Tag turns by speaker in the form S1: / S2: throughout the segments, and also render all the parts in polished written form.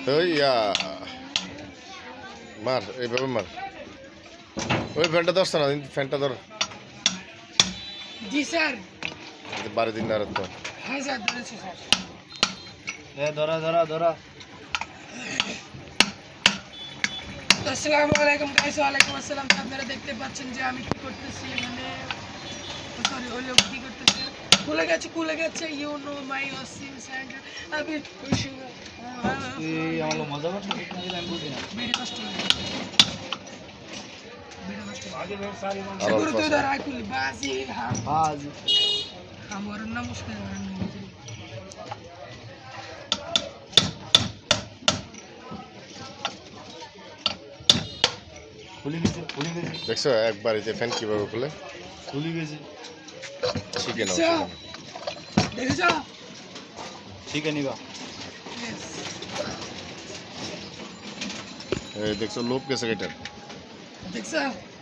S1: ওই মার এইভাবে মার। ওই ফ্যানটা ধরছে না, ফ্যানটা ধর।
S2: জি স্যার।
S1: বাড়ি দিন না তো।
S2: হ্যাঁ স্যার, ধরেছি স্যার।
S3: ধরা ধরা ধরা।
S2: আসসালামু আলাইকুম গাইস। ওয়ালাইকুম আসসালাম। আপনারা দেখতে পাচ্ছেন যে আমি কি করতেছি, মানে সরি ওই লোক কি করতেছে, খুলে গেছে you know my washing centre. আমি
S3: আমার মজা করতে আমি বুঝি না।
S2: ভিডিও কষ্ট
S3: আগে বের সারি মান
S2: সেগুলো তো ধর আইকুল বাজি
S3: বাজ
S2: আমার নাম মুশকিল
S3: খুলে গেছে
S1: দেখছো একবার এই যে ফ্যান কিভাবে খুলে
S3: খুলে গেছে।
S1: শিখে নাও।
S2: দেখেছো?
S3: ঠিক আছে নিবা।
S1: এই দেখছো লোভ গেছে এটার,
S2: দেখছো?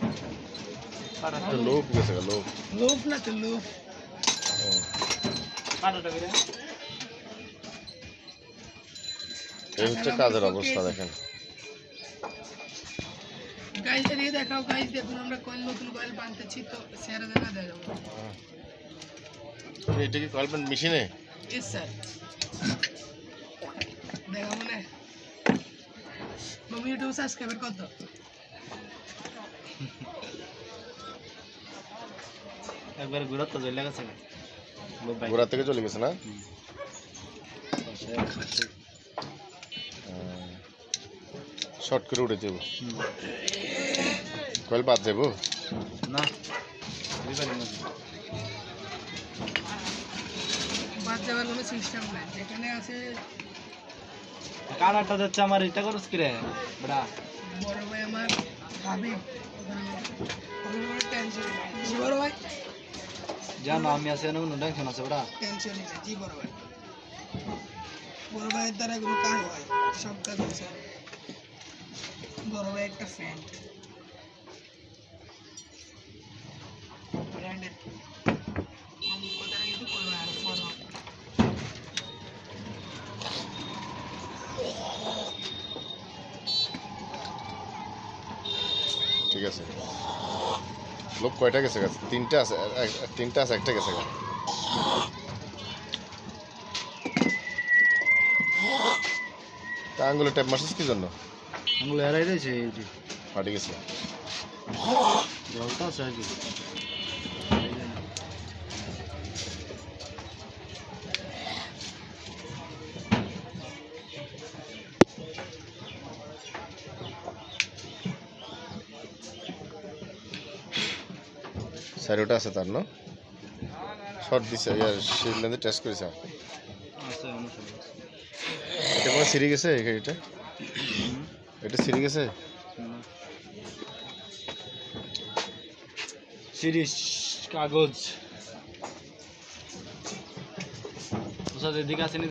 S1: লোভ গেছে লোভ।
S2: লোভ না তো লোভ।
S3: কাটাটা করে
S1: এই হচ্ছে কাজের অবস্থা দেখেন।
S2: গাইস এদিকে দেখাও। গাইস দেখুন আমরা নতুন কয়েল বানতেছি, তো শেয়ার দেখা দেখাবো।
S1: এটা কি কয়েল প্যান্ট মেশিনে?
S2: ইয়েস স্যার, দেখাবো না। মামি ইউটিউব সাবস্ক্রাইবার কত?
S3: একবার ঘুরাত তো চলে গেছে।
S1: গোড়া থেকে চলে গেছে না? শর্ট করে উঠে যাবো, কয়েল বাদ যাবো
S3: না
S2: বাদ যাওয়ার কোনো সিস্টেম নাই, যেখানে আছে
S3: কানাটা যাচ্ছে আমার এটা করছ কি রে বড়া।
S2: বড় ভাই আমার হাবিব, টেনশন জি বড় ভাই,
S3: জানো আমি আছে না কোনো টেনশন আছে বড়া।
S2: টেনশন নেই জি বড় ভাই। বড় ভাইয়ের দ্বারা কোনো কাজ হয়, সব কাজ হচ্ছে। বড় ভাই একটা ফ্যান ব্র্যান্ডেড, আমি কথা কিন্তু করবো আর ফলো।
S1: ঠিক আছে। লোভ কয়টা গেছে গাছ? তিনটা আছে, তিনটা আছে, একটা গেছে গা। তা আঙ্গুলে ট্যাপ মারছিস কি জন্য?
S3: আঙুল এরাই রয়েছে এইটি
S1: ফাটে গেছে।
S3: জলটা আছে আর কি।
S1: সাইডটা আছে তার না? শর্ট দিছে, ইয়ার শিল্ডে টেস্ট করেছে।
S3: আছে অনুসরণ
S1: এটা কোনো সিঁড়ি গেছে এটা? এটা সিঁড়ি গেছে?
S3: সিরিজ কাগজ ওসাদ এদিকে আসেনি।